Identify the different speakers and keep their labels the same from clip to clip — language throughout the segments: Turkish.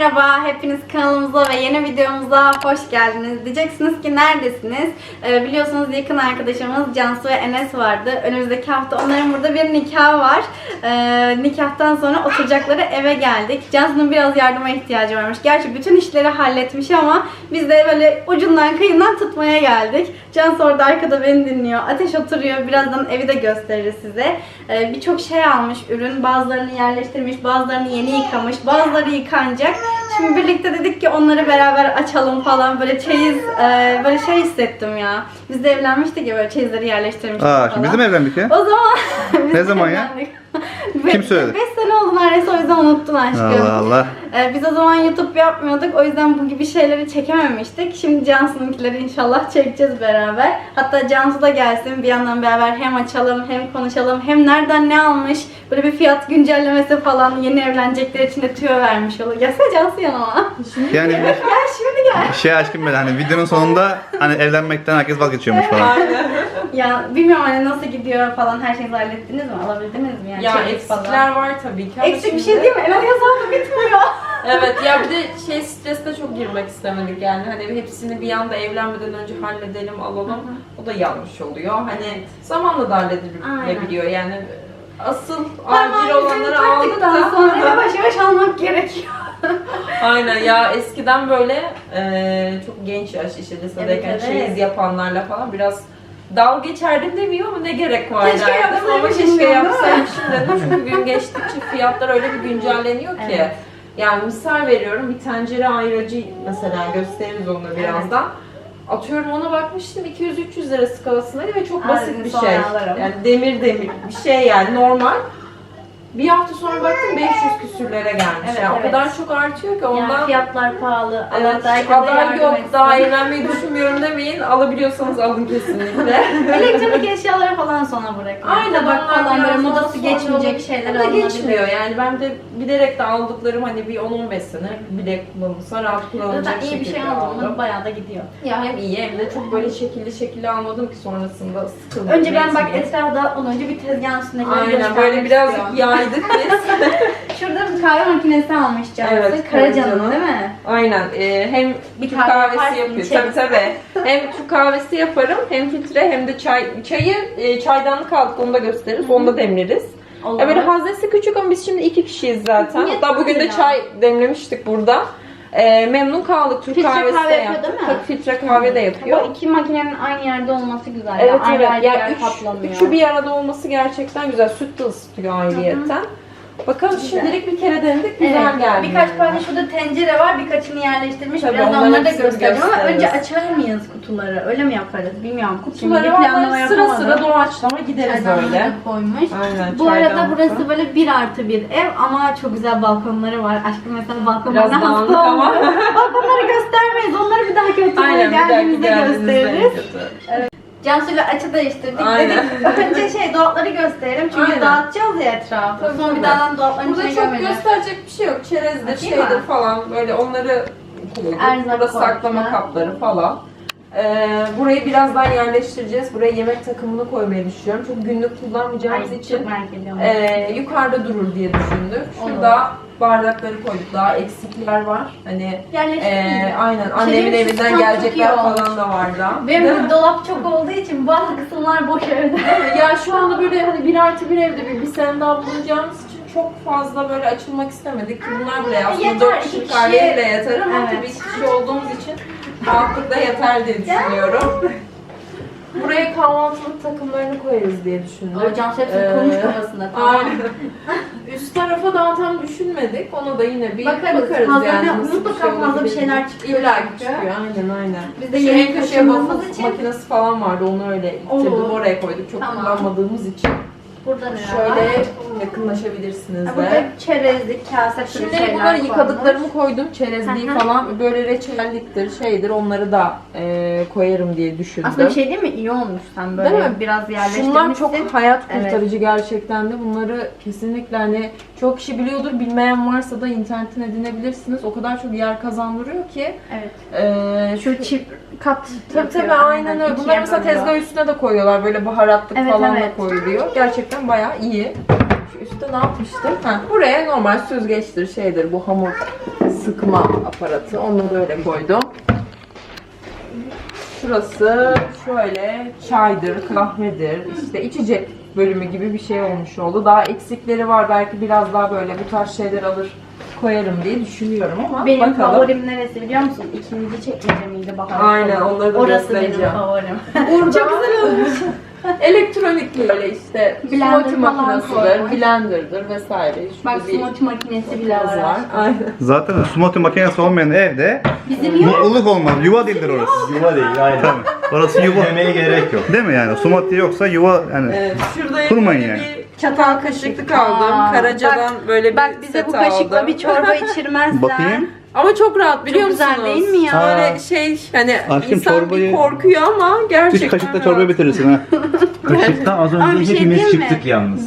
Speaker 1: Merhaba, hepiniz kanalımıza ve yeni videomuza hoş geldiniz. Diyeceksiniz ki neredesiniz? Biliyorsunuz yakın arkadaşımız Cansu ve Enes vardı. Önümüzdeki hafta onların burada bir nikahı var. Nikahtan sonra oturacakları eve geldik. Cansu'nun biraz yardıma ihtiyacı varmış. Gerçi bütün işleri halletmiş ama biz de böyle ucundan kıyından tutmaya geldik. Cansu orada arkada beni dinliyor. Ateş oturuyor. Birazdan evi de gösteririz size. Birçok şey almış ürün. Bazılarını yerleştirmiş, bazılarını yeni yıkamış, bazıları yıkanacak. Şimdi birlikte dedik ki onları beraber açalım falan. Böyle çeyiz, böyle şey hissettim ya. Biz de evlenmiştik ya, böyle çeyizleri yerleştirmiştik falan.
Speaker 2: Şimdi biz de mi evlendik ya?
Speaker 1: O zaman
Speaker 2: ne zaman ya? Kim söyledi?
Speaker 1: 5 sene oldu neredeyse, o yüzden unuttun aşkım.
Speaker 2: Allah Allah.
Speaker 1: Biz o zaman YouTube yapmıyorduk, o yüzden bu gibi şeyleri çekememiştik. Şimdi Cansu'nunkileri inşallah çekeceğiz beraber. Hatta Cansu da gelsin, bir yandan beraber hem açalım hem konuşalım, hem nereden ne almış, böyle bir fiyat güncellemesi falan, yeni evlenecekler için de tüyo vermiş olur. Gelsene Cansu yanıma.
Speaker 2: Yani
Speaker 1: Gel şimdi gel.
Speaker 2: şey aşkım böyle hani videonun sonunda hani evlenmekten herkes vazgeçiyormuş falan.
Speaker 1: Ya bilmiyorum hani nasıl gidiyor falan, her şeyi hallettiniz mi? Alabildiniz mi? Yani
Speaker 3: Ya
Speaker 1: çeyiz
Speaker 3: eksikler var tabii ki.
Speaker 1: Eksik bir şey değil mi? Hemen hesabı bitmiyor.
Speaker 3: Evet ya, bir de şey stresine çok girmek istemedik yani. Hani hepsini bir anda evlenmeden önce halledelim, alalım. O da yanlış oluyor. Hani zamanla da halledilebiliyor yani. Asıl acil olanları aldık da
Speaker 1: sonra yavaş yavaş almak gerekiyor.
Speaker 3: aynen ya, eskiden böyle çok genç yaş, işte lisedeyken
Speaker 1: Evet.
Speaker 3: çeyiz yapanlarla falan biraz dalga geçerdim demiyor ama ne gerek var
Speaker 1: Keşke
Speaker 3: derdim, ama
Speaker 1: yapsaymışım
Speaker 3: keşke
Speaker 1: diyorum,
Speaker 3: yapsaymışım dedim. Çünkü gün geçtikçe fiyatlar öyle bir güncelleniyor ki.
Speaker 1: Evet.
Speaker 3: Yani misal veriyorum, bir tencere ayracı mesela, gösteririz onu da birazdan. Atıyorum, ona bakmıştım 200-300 lira skalasındaydı ve çok basit bir şey. Yani demir bir şey yani, normal. Bir hafta sonra baktım 500 küsürlere gelmiş.
Speaker 1: Evet,
Speaker 3: yani
Speaker 1: evet.
Speaker 3: O kadar çok artıyor ki ondan.
Speaker 1: Yani fiyatlar pahalı.
Speaker 3: Evet,
Speaker 1: Allah herkese
Speaker 3: aday
Speaker 1: yardım
Speaker 3: yok,
Speaker 1: etsin.
Speaker 3: daha evlenmeyi düşünmüyorum demeyin. Alabiliyorsanız alın kesinlikle.
Speaker 1: Elektronik eşyaları falan sona bırakın.
Speaker 3: Aynen,
Speaker 1: Tabak
Speaker 3: onlar
Speaker 1: falan böyle
Speaker 3: biraz
Speaker 1: modası
Speaker 3: sonra
Speaker 1: geçmeyecek
Speaker 3: olur.
Speaker 1: şeyler
Speaker 3: O da
Speaker 1: alınabilir.
Speaker 3: geçmiyor yani. Ben de bilerek de aldıklarım hani bir 10-15 sene bile kullanılsa rahat kullanılacak
Speaker 1: Zaten iyi bir şey
Speaker 3: şekilde
Speaker 1: aldım
Speaker 3: aldım.
Speaker 1: bayağı da gidiyor.
Speaker 3: Ya hem iyi hem de çok böyle şekilli almadım ki sonrasında sıkıldım.
Speaker 1: Önce ben bak
Speaker 3: etmeyeyim.
Speaker 1: etrafı dağıtmadan önce bir tezgahın üstündekileri
Speaker 3: Aynen,
Speaker 1: göstermek
Speaker 3: böyle birazcık
Speaker 1: istiyorum.
Speaker 3: yaydık biz.
Speaker 1: Şurada bir kahve makinesi almış Cansu.
Speaker 3: Evet,
Speaker 1: Karacan'ın
Speaker 3: Karacan'ın.
Speaker 1: değil mi?
Speaker 3: Aynen. Hem
Speaker 1: Bir
Speaker 3: Türk
Speaker 1: kahve
Speaker 3: kahvesi
Speaker 1: yaparsın,
Speaker 3: yapıyor.
Speaker 1: içeriz.
Speaker 3: Tabii. Hem Türk kahvesi yaparım, hem filtre hem de çay. Çayı çaydanlık aldık, onu da gösteririz. Onu da demleriz.
Speaker 1: Olur.
Speaker 3: Ya böyle haznesi küçük ama biz şimdi 2 kişiyiz zaten.
Speaker 1: Yeter
Speaker 3: Hatta bugün de
Speaker 1: ya.
Speaker 3: çay demlemiştik burada. Memnun kaldık. Türk
Speaker 1: Filtre
Speaker 3: kahvesi
Speaker 1: kahve
Speaker 3: de
Speaker 1: yapıyor
Speaker 3: yaptık.
Speaker 1: değil mi?
Speaker 3: Tabii filtre kahve de yapıyor.
Speaker 1: O iki makinenin aynı yerde olması güzel.
Speaker 3: Evet,
Speaker 1: ya. Ayrı
Speaker 3: evet.
Speaker 1: ayrı
Speaker 3: Ya
Speaker 1: yer kaplamıyor.
Speaker 3: üçü bir arada olması gerçekten güzel. Süt de ısıtıyor ayrıyetten. Bakalım,
Speaker 1: Güzel.
Speaker 3: şimdilik bir kere denedik. Güzel
Speaker 1: Evet.
Speaker 3: geldi.
Speaker 1: Birkaç
Speaker 3: yani.
Speaker 1: tane şurada tencere var, birkaçını yerleştirmiş.
Speaker 3: Tabii,
Speaker 1: Biraz
Speaker 3: onların
Speaker 1: onları da
Speaker 3: hepsini
Speaker 1: göstereceğim ama
Speaker 3: gösteririz.
Speaker 1: önce açar mıyız kutuları? Öyle mi yaparız? Bilmiyorum.
Speaker 3: Kutuları
Speaker 1: Şimdi planlama
Speaker 3: var, sıra
Speaker 1: yapamadım.
Speaker 3: sıra doğaçlama gideriz
Speaker 1: Çaydanlığı
Speaker 3: öyle.
Speaker 1: da koymuş.
Speaker 3: Aynen,
Speaker 1: Bu arada
Speaker 3: çaydanlık
Speaker 1: burası
Speaker 3: da.
Speaker 1: böyle 1+1 ev ama çok güzel balkonları var. Aşkım mesela balkonlarına
Speaker 3: Biraz dağınık
Speaker 1: hasta
Speaker 3: ama.
Speaker 1: oldu. Balkonları göstermeyiz. Onları bir dahaki oturmaya
Speaker 3: Aynen, bir dahaki
Speaker 1: geldiğimizde
Speaker 3: geldiğinizde
Speaker 1: gösteririz.
Speaker 3: kötü.
Speaker 1: Cansu'yla açı değiştirdik.
Speaker 3: Aynen.
Speaker 1: Dedik önce dolapları gösterelim çünkü
Speaker 3: Aynen.
Speaker 1: dağıtacağız ya etrafı.
Speaker 3: Tabii,
Speaker 1: Sonra bir
Speaker 3: tabii.
Speaker 1: daha dolapların
Speaker 3: Burada
Speaker 1: içine
Speaker 3: çok
Speaker 1: gömelim.
Speaker 3: gösterecek bir şey yok. Çerezdir,
Speaker 1: Açayım
Speaker 3: şeydir
Speaker 1: mı?
Speaker 3: falan, böyle onları koyduk.
Speaker 1: Erzak
Speaker 3: Burada saklama
Speaker 1: koyduk.
Speaker 3: kapları falan. Burayı birazdan yerleştireceğiz. Buraya yemek takımını koymayı düşünüyorum. Çok günlük kullanmayacağımız
Speaker 1: Ay,
Speaker 3: için
Speaker 1: çok merak ediyorum.
Speaker 3: yukarıda durur diye düşündük.
Speaker 1: Olur.
Speaker 3: Şurada bardakları koyduk. Daha eksikler var. Hani
Speaker 1: Yerleştireceğiz.
Speaker 3: aynen, annemin
Speaker 1: Şeyin
Speaker 3: evinden
Speaker 1: sistem
Speaker 3: gelecekler
Speaker 1: çok iyi olmuş.
Speaker 3: falan da var da.
Speaker 1: Benim bu dolap çok olduğu için bazı kısımlar boş evde.
Speaker 3: Ya şu anda böyle hani 1+1 evde bir sene daha bulunacağımız için çok fazla böyle açılmak istemedik ki bunlar bile aslında
Speaker 1: Yeter,
Speaker 3: 4
Speaker 1: iki
Speaker 3: kişilik
Speaker 1: kişi-
Speaker 3: aileye bile yeter ama
Speaker 1: Evet.
Speaker 3: tabii 2 kişi olduğumuz için rahatlıkla yeter diye düşünüyorum. Buraya kahvaltılık takımlarını koyarız diye düşündük.
Speaker 1: O Cansu hepsini kurmuş kafasında. Tamam.
Speaker 3: Aynen. Üst tarafa daha tam düşünmedik. Ona da yine bir
Speaker 1: Bakarız.
Speaker 3: yani.
Speaker 1: Fazla
Speaker 3: nasıl
Speaker 1: mutlaka fazla bir
Speaker 3: olabilir.
Speaker 1: şeyler çıkıyor.
Speaker 3: İlla ki
Speaker 1: çünkü.
Speaker 3: çıkıyor. Aynen.
Speaker 1: Biz de
Speaker 3: Şu
Speaker 1: yemek
Speaker 3: en köşeye
Speaker 1: taşımamız
Speaker 3: waffle
Speaker 1: için-
Speaker 3: makinesi falan vardı. Onu öyle
Speaker 1: Olur.
Speaker 3: ittirdim. Oraya koyduk. Çok
Speaker 1: Tamam.
Speaker 3: kullanmadığımız için.
Speaker 1: Burada ne var?
Speaker 3: Şöyle yakınlaşabilirsiniz
Speaker 1: Ha,
Speaker 3: de.
Speaker 1: burada çerezlik, kase türü
Speaker 3: Şimdi
Speaker 1: şeyler
Speaker 3: bunları
Speaker 1: koymuş.
Speaker 3: yıkadıklarımı koydum. Çerezliği
Speaker 1: Hı hı.
Speaker 3: falan, böyle reçelliktir, şeydir, onları da koyarım diye düşündüm.
Speaker 1: Aslında bir şey değil mi? İyi olmuş sen böyle
Speaker 3: Değil mi?
Speaker 1: biraz yerleştirmişsin.
Speaker 3: Şunlar çok hayat
Speaker 1: Evet.
Speaker 3: kurtarıcı gerçekten de. Bunları kesinlikle hani çok kişi biliyordur. Bilmeyen varsa da internetten edinebilirsiniz. O kadar çok yer kazandırıyor ki.
Speaker 1: Evet. Şu çift kat
Speaker 3: Tabii
Speaker 1: yapıyor.
Speaker 3: aynen öyle.
Speaker 1: İkiye
Speaker 3: Bunları mesela
Speaker 1: bölüyor.
Speaker 3: tezgah üstüne de koyuyorlar. Böyle baharatlık
Speaker 1: Evet,
Speaker 3: falan
Speaker 1: evet.
Speaker 3: da koyuluyor. Gerçekten bayağı iyi. Şu üstte ne yapmıştım? Buraya normal süzgeçtir, şeydir, bu hamur sıkma aparatı. Onları öyle koydum. Şurası şöyle çaydır, kahvedir, işte içecek bölümü gibi bir şey olmuş oldu. Daha eksikleri var. Belki biraz daha böyle bu tarz şeyler alır koyarım diye düşünüyorum ama
Speaker 1: Benim
Speaker 3: bakalım.
Speaker 1: favorim neresi biliyor musun? İkinci çekmece miydi Bahar?
Speaker 3: Aynen, onları da
Speaker 1: Orası benim
Speaker 3: göstereceğim.
Speaker 1: favorim.
Speaker 3: Burada çok güzel olmuş. Elektronik böyle işte
Speaker 1: Blender
Speaker 3: smoothie
Speaker 1: falan
Speaker 3: makinesidir,
Speaker 1: koymuş.
Speaker 3: blenderdır vesaire. Şurada
Speaker 1: Bak
Speaker 3: bir
Speaker 1: smoothie makinesi bile
Speaker 3: kız
Speaker 1: var.
Speaker 3: var. Aynen.
Speaker 2: Zaten smoothie makinesi olmayan evde
Speaker 1: Bizim yok.
Speaker 2: mutluluk olmaz. Yuva değildir orası.
Speaker 4: Yuva değil, aynen.
Speaker 2: Tabii. Orası yuva.
Speaker 4: Demeye gerek yok.
Speaker 2: Değil mi yani? Smoothie yoksa yuva yani.
Speaker 3: Evet, şurada
Speaker 2: Kurmayın
Speaker 3: böyle
Speaker 2: yani.
Speaker 3: bir çatal kaşıklık aldım.
Speaker 1: Aa,
Speaker 3: Karaca'dan böyle bir
Speaker 1: Bak bize
Speaker 3: set
Speaker 1: bu kaşıkla
Speaker 3: aldım.
Speaker 1: bir çorba içirmezler.
Speaker 2: Bakayım.
Speaker 3: Ama çok rahat biliyor
Speaker 1: Çok
Speaker 3: musunuz?
Speaker 1: güzel değil mi ya?
Speaker 3: Böyle şey hani
Speaker 2: Aşkım
Speaker 3: insan
Speaker 2: çorbayı-
Speaker 3: bir korkuyor ama gerçekten
Speaker 2: Üç kaşıkla
Speaker 3: rahat.
Speaker 2: çorba bitirirsin ha.
Speaker 4: Kaşıkta az
Speaker 1: Ama bir
Speaker 4: önce
Speaker 1: şey
Speaker 4: hepimiz
Speaker 1: diyeyim mi?
Speaker 4: çıktık yalnız.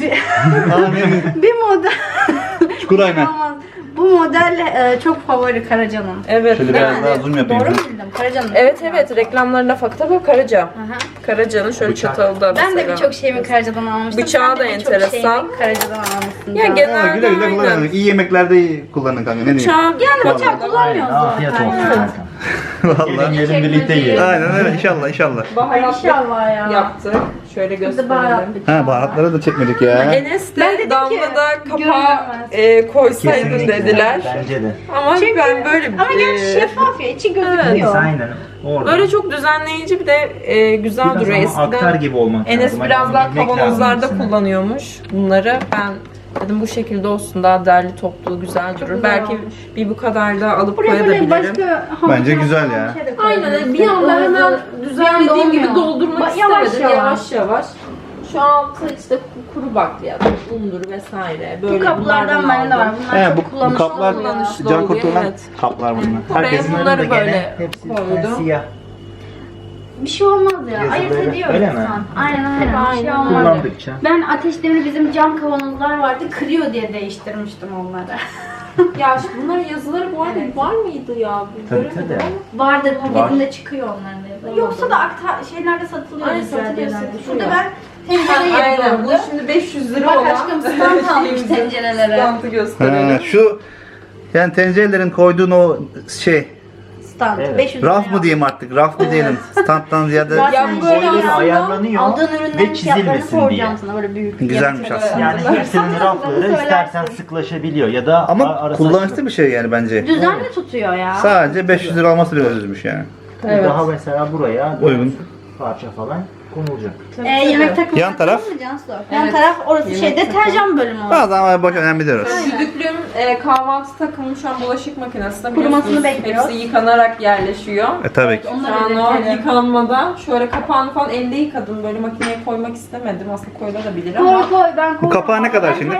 Speaker 1: Bir model.
Speaker 2: Çukur ayna.
Speaker 1: Olmaz. Bu model çok favori Karaca'nın.
Speaker 3: Evet.
Speaker 2: Şöyle
Speaker 3: yani-
Speaker 2: biraz daha zoom yapayım.
Speaker 1: Doğru mu bildim? Karaca'nın.
Speaker 3: Evet reklamlarına bak tabii Karaca.
Speaker 1: Aha.
Speaker 3: Karaca'nın şöyle
Speaker 4: Bıçak.
Speaker 3: çatalı da mesela.
Speaker 1: Ben de birçok şeyimi Karaca'dan almıştım.
Speaker 3: Bıçağı
Speaker 1: Sen de
Speaker 3: da
Speaker 1: birçok
Speaker 3: enteresan.
Speaker 1: şeyimi Karaca'dan almışsın.
Speaker 3: Ya
Speaker 1: Can.
Speaker 3: genel-
Speaker 2: Ha, güle güle
Speaker 3: Aynen.
Speaker 2: kullanın. İyi yemeklerde iyi kullanın kanka. Ne diyeyim?
Speaker 3: Bıçağı
Speaker 1: Yani bıçak
Speaker 4: Aynen,
Speaker 1: kullanmıyoruz
Speaker 4: afiyet
Speaker 1: zaten.
Speaker 4: olsun
Speaker 1: Evet.
Speaker 4: kanka.
Speaker 2: Vallahi.
Speaker 4: Gelin birlikte yiyelim.
Speaker 2: Aynen öyle. İnşallah inşallah.
Speaker 3: baharatlı
Speaker 1: İnşallah ya.
Speaker 3: yaptık. Şöyle
Speaker 1: Biz de
Speaker 3: gösterelim.
Speaker 1: baharatlı bıçağı.
Speaker 2: Ha baharatları da çekmedik ya.
Speaker 3: Enes
Speaker 1: Ben
Speaker 3: de
Speaker 1: dedim
Speaker 3: Damla
Speaker 1: ki,
Speaker 3: da kapağı
Speaker 1: görünmez.
Speaker 3: koysaydın
Speaker 4: Kesinlikle.
Speaker 3: dediler.
Speaker 4: Bence de.
Speaker 3: Ama
Speaker 1: Çünkü-
Speaker 3: ben böyle
Speaker 1: Ama gerçi şeffaf ya, içi
Speaker 4: Neyse,
Speaker 1: gözüküyor.
Speaker 4: aynen. Orada.
Speaker 3: böyle çok düzenleyici bir de güzel
Speaker 4: biraz
Speaker 3: duruyor.
Speaker 4: ama aktar
Speaker 3: Eskiden
Speaker 4: gibi olmak
Speaker 3: Enes
Speaker 4: lazım.
Speaker 3: biraz
Speaker 4: Hani
Speaker 3: daha
Speaker 4: bilmek lazım
Speaker 3: kavanozlarda
Speaker 4: hepsini.
Speaker 3: kullanıyormuş bunları. Ben dedim bu şekilde olsun, daha derli toplu güzel durur.
Speaker 1: güzel
Speaker 3: Belki
Speaker 1: olmuş.
Speaker 3: bir bu kadar da alıp
Speaker 1: Buraya böyle
Speaker 3: koyabilirim.
Speaker 1: başka hamur
Speaker 2: Bence
Speaker 1: falan
Speaker 2: güzel
Speaker 1: bir
Speaker 2: ya.
Speaker 1: şey de
Speaker 3: Aynen
Speaker 1: koyabilirsin.
Speaker 3: bir anda hemen düzenlediğim gibi
Speaker 1: olmuyor.
Speaker 3: doldurmak
Speaker 1: Yavaş
Speaker 3: istemedim.
Speaker 1: yavaş.
Speaker 3: Yavaş yavaş. Şu altı işte kuru bakliyat, undur vesaire. Böyle
Speaker 1: Bu kaplardan
Speaker 3: bunlardan
Speaker 1: bende var.
Speaker 3: aldım.
Speaker 1: Bunlar
Speaker 2: He,
Speaker 1: çok
Speaker 2: bu
Speaker 1: kullanışlı
Speaker 2: kaplar
Speaker 1: oluyor.
Speaker 3: kullanışlı.
Speaker 2: can
Speaker 3: oluyor,
Speaker 2: kurtulan
Speaker 3: evet.
Speaker 2: kaplar bunlar.
Speaker 3: Buraya
Speaker 2: Herkesin
Speaker 3: bunları
Speaker 4: Bunların da gene
Speaker 3: böyle
Speaker 4: hepsi
Speaker 3: koydum.
Speaker 4: siyah.
Speaker 1: Bir şey olmaz ya.
Speaker 4: Yazıları
Speaker 1: Ayırt ediyor
Speaker 4: öyle mi?
Speaker 1: insan. Aynen. Bir şey
Speaker 3: Aynen.
Speaker 1: olmaz.
Speaker 4: Kullandıkça.
Speaker 1: Ben ateş demiri bizim cam kavanozlar vardı. Kırıyor diye değiştirmiştim onları.
Speaker 3: Ya işte bunların yazıları bu arada var mıydı ya?
Speaker 4: Tabii,
Speaker 3: Göremedim
Speaker 4: tabii.
Speaker 3: ama.
Speaker 1: Vardır paketinde çıkıyor onların da yazıları. Yoksa da şeylerde satılıyor.
Speaker 3: Aynen,
Speaker 1: güzel
Speaker 3: satılıyor,
Speaker 1: yerlerde.
Speaker 3: satılıyor.
Speaker 1: Şurada ben tencere
Speaker 3: Aynen.
Speaker 1: yeri
Speaker 3: Bu
Speaker 1: gördüm.
Speaker 3: şimdi 500 lira
Speaker 1: Bak
Speaker 3: olan.
Speaker 1: aşkım stand almış
Speaker 3: şeyimizin
Speaker 1: tencerelere.
Speaker 3: Standı
Speaker 2: Ha,
Speaker 3: gösterelim.
Speaker 2: şu yani tencerelerin koyduğun o şey
Speaker 1: Stand.
Speaker 4: Evet.
Speaker 1: 500
Speaker 2: raf
Speaker 1: lira.
Speaker 2: mı diyeyim artık raf mı diyelim standtan ziyade
Speaker 1: Zaten
Speaker 3: Ya böyle
Speaker 1: şey
Speaker 3: aslında
Speaker 4: ayarlanıyor
Speaker 1: aldığın ürünlerin
Speaker 4: ve
Speaker 1: fiyatlarını
Speaker 4: çizilmesin
Speaker 1: soracağım
Speaker 4: diye.
Speaker 1: sana böyle büyük.
Speaker 2: Güzelmiş
Speaker 1: fiyatı.
Speaker 2: aslında.
Speaker 4: Yani hepsinin rafları
Speaker 1: Söylersin.
Speaker 4: istersen sıklaşabiliyor ya da
Speaker 2: ama
Speaker 4: arası
Speaker 2: kullanışlı
Speaker 4: açılır.
Speaker 2: bir şey yani bence.
Speaker 1: Düzenli tutuyor ya.
Speaker 2: Sadece 500 lira alması biraz üzmüş yani.
Speaker 3: Evet.
Speaker 4: Daha mesela buraya
Speaker 2: Uygun.
Speaker 4: 4 parça falan konulacak.
Speaker 1: Yemek takımı
Speaker 2: Yan taraf?
Speaker 1: mı Cansu? Yan
Speaker 3: Evet.
Speaker 1: taraf orası
Speaker 3: Yemek
Speaker 1: şey deterjan bölümü o.
Speaker 2: Bazen ama boş önemli diyoruz.
Speaker 3: Düdüklüm kahvaltı takımı şu an bulaşık makinesinde.
Speaker 1: Kurumasını
Speaker 3: Biliyorsunuz,
Speaker 1: bekliyoruz.
Speaker 3: Hepsi yıkanarak yerleşiyor.
Speaker 2: Tabii ki.
Speaker 3: Şu an o yıkanmadan şöyle kapağını falan elde yıkadım. Böyle makineye koymak istemedim. Aslında koyulabilir
Speaker 1: Koy
Speaker 3: ama.
Speaker 1: koy ben koy.
Speaker 2: Bu kapağı ne kadar şimdi?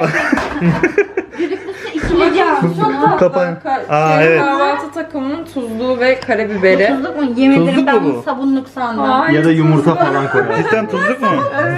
Speaker 1: Düdüklüsü ikili Cansu'nun.
Speaker 2: Kapağı. Aa,
Speaker 3: Şey,
Speaker 2: evet.
Speaker 3: Kahvaltı takımının tuzluğu ve karabiberi.
Speaker 1: Tuzluk mu? Yemin ederim
Speaker 2: Tuzluk
Speaker 1: ben
Speaker 2: mu bu?
Speaker 1: bunu sabunluk sandım.
Speaker 3: Hayır,
Speaker 4: Ya da yumurta falan koyar.
Speaker 2: Cidden tuzluk mu?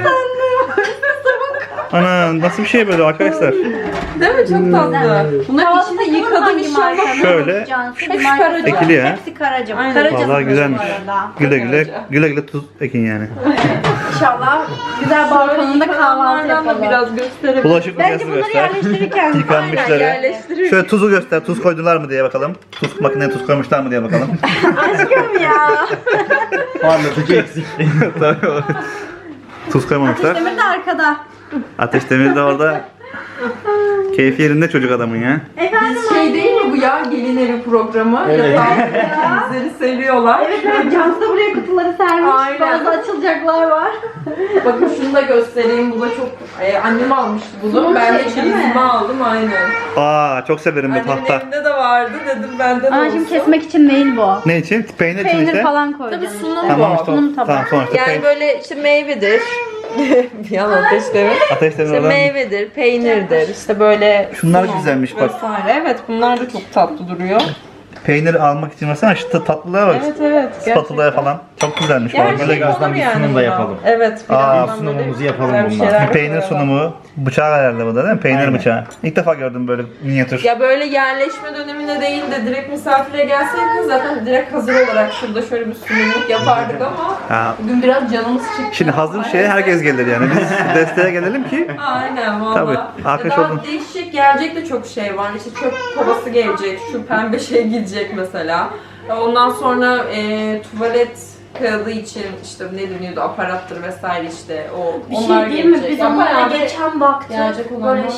Speaker 2: Ana nasıl bir şey böyle arkadaşlar?
Speaker 3: Değil mi? Çok tatlı. Bunlar
Speaker 1: Kahvaltı
Speaker 3: içinde
Speaker 1: takımı
Speaker 3: yıkadım
Speaker 1: hangi
Speaker 3: inşallah.
Speaker 1: markanın?
Speaker 2: Şöyle.
Speaker 1: Cansu,
Speaker 3: Hepsi
Speaker 1: bir markası
Speaker 3: Karaca.
Speaker 1: var.
Speaker 2: Ekili ya.
Speaker 1: Hepsi Karaca.
Speaker 3: Aynen.
Speaker 1: Karaca'nın
Speaker 2: Vallahi
Speaker 1: ürünü
Speaker 2: güzelmiş.
Speaker 1: bu arada.
Speaker 2: Güle güle güle güle tuz ekin yani.
Speaker 1: İnşallah güzel balkonunda kahvaltı
Speaker 3: Yıkananlardan da
Speaker 1: yapalım.
Speaker 3: biraz gösterelim.
Speaker 2: Bulaşık
Speaker 1: Bence
Speaker 2: makinesi
Speaker 1: bunları
Speaker 2: göster.
Speaker 1: yerleştirirken
Speaker 2: Yıkanmışları.
Speaker 3: Yerleştirir.
Speaker 2: Şöyle tuzu göster. Tuz koydular mı diye bakalım. Tuz makineye tuz koymuşlar mı diye bakalım.
Speaker 1: aşkım ya.
Speaker 4: Parlatıcı eksikti.
Speaker 2: Tabii o. Tuz koymamışlar.
Speaker 1: Ateş demir de arkada.
Speaker 2: Ateş Demir de orada. Keyfi yerinde çocuk adamın ya.
Speaker 1: Efendim
Speaker 3: Şey değil mi bu ya? Gelin evi programı.
Speaker 4: Evet.
Speaker 3: Bizleri seviyorlar.
Speaker 1: evet Cansu da buraya kutuları sermiş.
Speaker 3: Aynen.
Speaker 1: Bazı açılacaklar var.
Speaker 3: Bakın şunu da göstereyim. Bu da çok... annem almıştı bunu.
Speaker 1: Bunun
Speaker 3: Ben de
Speaker 1: şey değil mi?
Speaker 3: çeyizimi aldım aynen.
Speaker 2: Aa çok severim bu
Speaker 3: Annemin
Speaker 2: tahta.
Speaker 3: evinde de vardı. Dedim benden
Speaker 1: Ama
Speaker 3: olsun.
Speaker 1: şimdi kesmek için değil bu.
Speaker 2: Ne için? Peynir için
Speaker 1: Peynir
Speaker 2: işte.
Speaker 1: falan koyacağım.
Speaker 3: Tabii sunum
Speaker 2: Tamam
Speaker 3: bu.
Speaker 2: işte.
Speaker 1: Sunum tabağı.
Speaker 2: Tamam sonuçta
Speaker 3: Yani böyle işte meyvedir. Bir an ateşleme.
Speaker 2: Ateş Demir
Speaker 3: İşte
Speaker 2: oradan.
Speaker 3: meyvedir, peynirdir, işte böyle
Speaker 2: Şunlar
Speaker 3: sunum
Speaker 2: güzelmiş bak.
Speaker 3: vesaire. Evet, bunlar da çok tatlı duruyor.
Speaker 2: Peynir almak için mesela şu tatlılığa bak.
Speaker 3: Evet, evet.
Speaker 2: Spatula'ya falan. Çok güzelmiş.
Speaker 3: Yani
Speaker 2: Böyle
Speaker 3: şey
Speaker 2: göz-
Speaker 3: olur
Speaker 4: bir
Speaker 3: yani
Speaker 4: sunum da
Speaker 3: bundan.
Speaker 4: yapalım.
Speaker 3: Evet.
Speaker 2: Aa,
Speaker 3: birazdan
Speaker 4: sunumumuzu
Speaker 3: böyle
Speaker 4: yapalım
Speaker 3: güzel bir
Speaker 4: bundan.
Speaker 3: şeyler
Speaker 2: Bir peynir
Speaker 3: koyalım.
Speaker 2: sunumu. Bıçağı herhalde bu da değil mi? Peynir
Speaker 4: Aynen.
Speaker 2: bıçağı. İlk defa gördüm böyle minyatür.
Speaker 3: Ya böyle yerleşme döneminde değil de direkt misafire gelseydiniz zaten direkt hazır olarak şurada şöyle bir sunumluk yapardık ama
Speaker 2: Ha.
Speaker 3: bugün biraz canımız çıktı.
Speaker 2: Şimdi hazır şeye herkes gelir yani. Biz desteğe gelelim ki.
Speaker 3: Aynen valla.
Speaker 2: Tabii, arkadaş
Speaker 3: Daha
Speaker 2: oldum.
Speaker 3: değişecek gelecek de çok şey var. İşte çöp kovası gelecek, şu pembe şey gidecek mesela. Ondan sonra tuvalet kağıdı için işte ne deniyordu aparattır vesaire işte o
Speaker 1: Bir
Speaker 3: onlar
Speaker 1: şey diyeyim mi?
Speaker 3: gelecek.
Speaker 1: Biz
Speaker 3: Ya
Speaker 1: onlara
Speaker 3: bayağı bir-
Speaker 1: geçen baktık.
Speaker 3: gelecek olanlar
Speaker 1: Böyle
Speaker 3: var.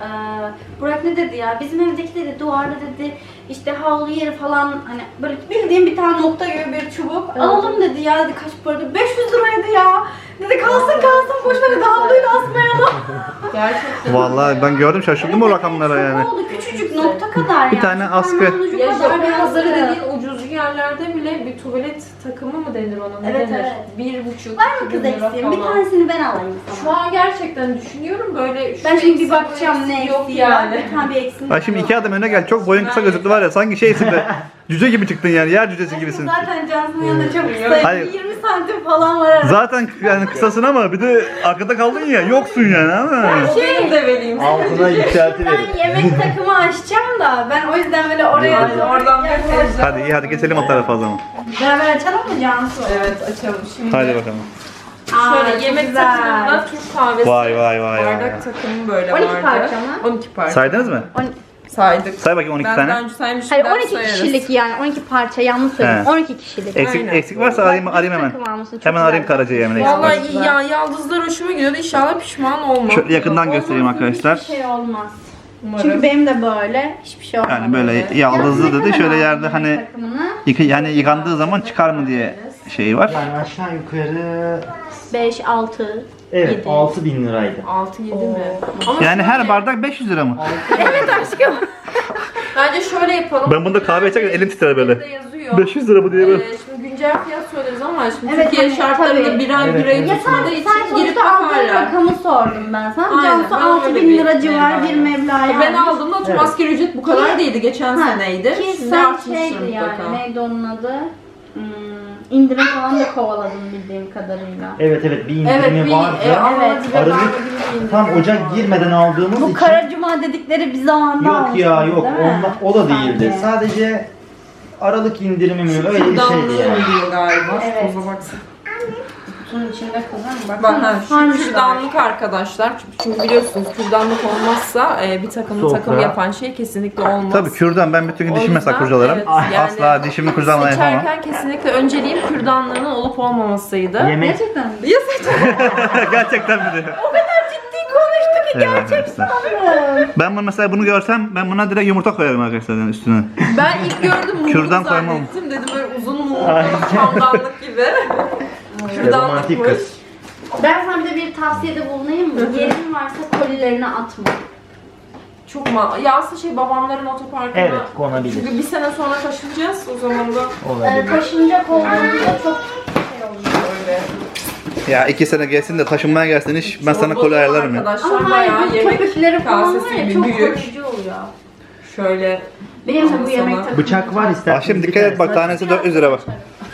Speaker 1: Burak ne dedi ya? Bizim evdeki dedi duvarda dedi işte havlu yeri falan hani böyle bildiğim bir tane nokta gibi bir çubuk.
Speaker 3: Evet.
Speaker 1: Alalım dedi ya dedi kaç para dedi? 500 liraydı ya. Dedi kalsın boş ver dedi havluyu da asmayalım.
Speaker 3: Gerçekten.
Speaker 2: Vallahi ben gördüm şaşırdım o rakamlara yani.
Speaker 1: Ne oldu? Küçücük nokta kadar yani.
Speaker 2: Bir tane
Speaker 1: Şu
Speaker 2: askı.
Speaker 1: parmağın ucu
Speaker 3: Ya
Speaker 1: kadar
Speaker 3: Japon
Speaker 1: bir
Speaker 3: pazarı
Speaker 1: askı.
Speaker 3: dediğin ucuz yerlerde bile bir tuvalet takımı mı denir ona? Ne
Speaker 1: Evet,
Speaker 3: denir?
Speaker 1: evet.
Speaker 3: 1,5
Speaker 1: Var mı kız eksiğim? Bir tanesini ben alayım
Speaker 3: Şu
Speaker 1: sana.
Speaker 3: an gerçekten düşünüyorum böyle. şu
Speaker 1: Ben şimdi bir
Speaker 3: eksiği, bu
Speaker 1: bakacağım ne
Speaker 3: eksiği yok
Speaker 1: eksiği var.
Speaker 3: yani.
Speaker 1: Bir tane bir eksiğim
Speaker 2: Ay şimdi
Speaker 1: var.
Speaker 2: iki adım öne gel. Çok boyun kısa gözüktü var ya. Sanki şeysin de. Cüce gibi çıktın yani. Yer cücesi gibisin.
Speaker 1: Zaten Cansu'nun yanında çok kısayım.
Speaker 2: Hayır.
Speaker 1: 20 santim falan var arada.
Speaker 2: Zaten yani kısasın ama bir de arkada kaldın ya. Yoksun yani ama.
Speaker 3: O benim de vereyim.
Speaker 4: Altına yükselti verin.
Speaker 1: Ben yemek takımı açacağım da ben o yüzden böyle oraya
Speaker 3: Yani oradan bir teyze.
Speaker 2: Hadi iyi hadi geçelim o tarafa o zaman.
Speaker 1: Beraber açalım mı Cansu?
Speaker 3: Evet açalım şimdi.
Speaker 2: Hadi bakalım.
Speaker 3: Şöyle
Speaker 1: çok
Speaker 3: yemek
Speaker 1: güzel.
Speaker 3: takımında Türk kahvesi,
Speaker 2: Vay, vay, vay,
Speaker 3: bardak
Speaker 2: vay.
Speaker 3: takımı böyle
Speaker 1: 12
Speaker 3: vardı.
Speaker 1: parça mı?
Speaker 3: 12 parça.
Speaker 2: Saydınız mı?
Speaker 3: Saydık.
Speaker 2: Say bakayım 12
Speaker 3: Ben
Speaker 2: tane.
Speaker 3: daha önce saymıştım.
Speaker 1: Hayır
Speaker 3: daha
Speaker 1: 12
Speaker 3: sayarız.
Speaker 1: kişilik yani 12 parça yanlış söyledim.
Speaker 2: He.
Speaker 1: 12 kişilik.
Speaker 2: Eksik,
Speaker 3: Aynen.
Speaker 2: eksik varsa arayayım hemen.
Speaker 1: Takım almışsın, çok
Speaker 2: Hemen arayayım
Speaker 1: güzel.
Speaker 2: Karaca'yı hemen eksik varsa.
Speaker 3: Vallahi ya yaldızlar hoşuma gidiyordu. İnşallah pişman olmam.
Speaker 2: Şöyle yakından göstereyim arkadaşlar.
Speaker 1: Hiçbir şey olmaz.
Speaker 3: Umarım.
Speaker 1: Çünkü benim de böyle hiçbir şey olmaz.
Speaker 2: Yani böyle yaldızlı dedi şöyle yerde hani
Speaker 1: takımını
Speaker 2: yani yıkandığı zaman çıkar mı diye şeyi var.
Speaker 4: Yani aşağı yukarı
Speaker 1: 5 6
Speaker 4: evet
Speaker 1: Yedi.
Speaker 4: 6.000 liraydı.
Speaker 3: 6-7 mi? Ama
Speaker 2: Yani her
Speaker 3: şöyle-
Speaker 2: bardak 500 lira mı?
Speaker 1: Evet aşkım.
Speaker 3: Bence şöyle yapalım.
Speaker 2: Ben bunda kahve içerken elim titrer böyle.
Speaker 3: Burada yazıyor.
Speaker 2: 500 lira bu diye böyle.
Speaker 3: Şimdi güncel fiyat söyleriz ama şimdi
Speaker 1: Evet,
Speaker 3: Türkiye
Speaker 1: hani,
Speaker 3: şartlarında
Speaker 1: tabii.
Speaker 3: bir ay
Speaker 4: Evet,
Speaker 3: bir ay
Speaker 4: evet.
Speaker 1: Ya
Speaker 3: tutmadığı
Speaker 1: sen
Speaker 3: için girip
Speaker 1: sonuçta aldığın
Speaker 3: bakarlar.
Speaker 1: rakamı sordum ben sana.
Speaker 3: Aynen,
Speaker 1: Cansu
Speaker 3: ben
Speaker 1: 6
Speaker 3: öyle
Speaker 1: bin
Speaker 3: bir
Speaker 1: lira civarı bir
Speaker 3: meblağ
Speaker 1: meblağ
Speaker 3: Ben
Speaker 1: almış.
Speaker 3: aldığımda tüm
Speaker 4: Evet.
Speaker 3: asgari ücret bu kadar değildi. Geçen
Speaker 1: Ha,
Speaker 3: seneydi.
Speaker 1: Ki
Speaker 3: Şimdi
Speaker 1: sen
Speaker 3: artmıştır
Speaker 1: şeydi yani
Speaker 3: mutlaka.
Speaker 1: neydi onun adı? İndirim falan da kovaladım bildiğim kadarıyla.
Speaker 4: Evet evet bir
Speaker 3: Evet,
Speaker 4: indirimi
Speaker 3: bir
Speaker 4: vardı.
Speaker 1: evet.
Speaker 3: Aralık
Speaker 4: Tam Ocak girmeden aldığımız
Speaker 1: Bu
Speaker 4: için
Speaker 1: Kara Cuma dedikleri bir zamanda
Speaker 4: yok ya yok
Speaker 1: değil mi?
Speaker 4: o da değildi.
Speaker 1: Sanki.
Speaker 4: Sadece Aralık indirimi mi öyle bir şeydi yani.
Speaker 3: oluyor galiba.
Speaker 1: Evet.
Speaker 3: Toza baksana.
Speaker 1: Kutunun içinde kızım.
Speaker 3: Bak ha, şu
Speaker 1: Sarmışlar.
Speaker 3: kürdanlık arkadaşlar. Çünkü biliyorsunuz kürdanlık olmazsa bir takım
Speaker 4: Sofra.
Speaker 3: takım yapan şey kesinlikle olmaz.
Speaker 2: Tabii kürdan ben bütün gün
Speaker 3: O
Speaker 2: dişimi mesela
Speaker 3: yüzden,
Speaker 2: kurcalarım.
Speaker 3: evet, yani
Speaker 2: Asla dişimi kurcalamadan yapamam.
Speaker 3: Seçerken kesinlikle önceliğim kürdanlığının olup olmamasıydı.
Speaker 4: Yemek
Speaker 1: Gerçekten mi?
Speaker 2: Gerçekten mi diyor?
Speaker 1: Ciddi konuştu ki
Speaker 2: Gerçekten. Ben bunu mesela bunu görsem ben buna direkt yumurta koyarım arkadaşlar yani üstüne.
Speaker 3: Ben ilk gördüm mumlu
Speaker 2: Kürdan koymam.
Speaker 3: zannettim. Dedim böyle uzun mumlu çamdanlık gibi.
Speaker 4: romantik kız.
Speaker 1: Ben sana bir de bir tavsiyede bulunayım mı? Yerin varsa kolilerini atma.
Speaker 3: Çok ya aslında babamların otoparkına.
Speaker 4: Evet konabilir.
Speaker 3: Çünkü bir sene sonra taşınacağız o zaman da.
Speaker 4: Olabilir.
Speaker 1: Taşınacak olduğunda çok şey oluyor.
Speaker 3: Öyle.
Speaker 2: Ya 2 sene gelsin de taşınmaya gelsin iş ben sana koli ayarlarım ya.
Speaker 3: Arkadaşlar
Speaker 1: Ama hayır
Speaker 3: bayağı
Speaker 1: bu
Speaker 3: yemek
Speaker 1: köpükleri falan var
Speaker 3: kasesi
Speaker 1: ya
Speaker 3: gibi
Speaker 1: çok
Speaker 3: büyük.
Speaker 1: koruyucu oluyor.
Speaker 3: Şöyle
Speaker 1: Benim de bu
Speaker 3: Sana-
Speaker 1: yemek takımı.
Speaker 4: Bıçak var istersen.
Speaker 2: Akşam dikkat et bak tanesi 400 lira bak.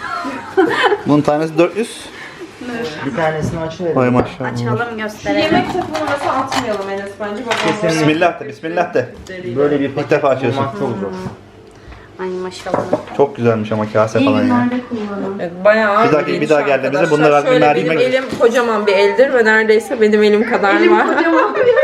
Speaker 2: Bunun tanesi 400.
Speaker 4: Bir tanesini açıverelim.
Speaker 2: Vay maşallah.
Speaker 1: Açalım
Speaker 3: şu
Speaker 1: gösterelim.
Speaker 3: yemek takımını mesela atmayalım Enes bence.
Speaker 4: Kesinlikle.
Speaker 2: Bismillah de bismillah de.
Speaker 4: Böyle bir
Speaker 2: İlk defa
Speaker 4: paket
Speaker 2: açıyorsun.
Speaker 4: bulmak çok zor.
Speaker 1: Ay maşallah.
Speaker 2: Çok güzelmiş ama kase
Speaker 1: İyi
Speaker 2: falan ya.
Speaker 1: günlerde kullanın.
Speaker 3: Evet, bayağı
Speaker 2: Bir daha geldiğimizde
Speaker 3: arkadaşlar.
Speaker 2: bunları
Speaker 3: Şöyle
Speaker 2: mercimek-
Speaker 3: benim elim kocaman bir eldir ve neredeyse benim elim kadar var.
Speaker 1: kocaman bir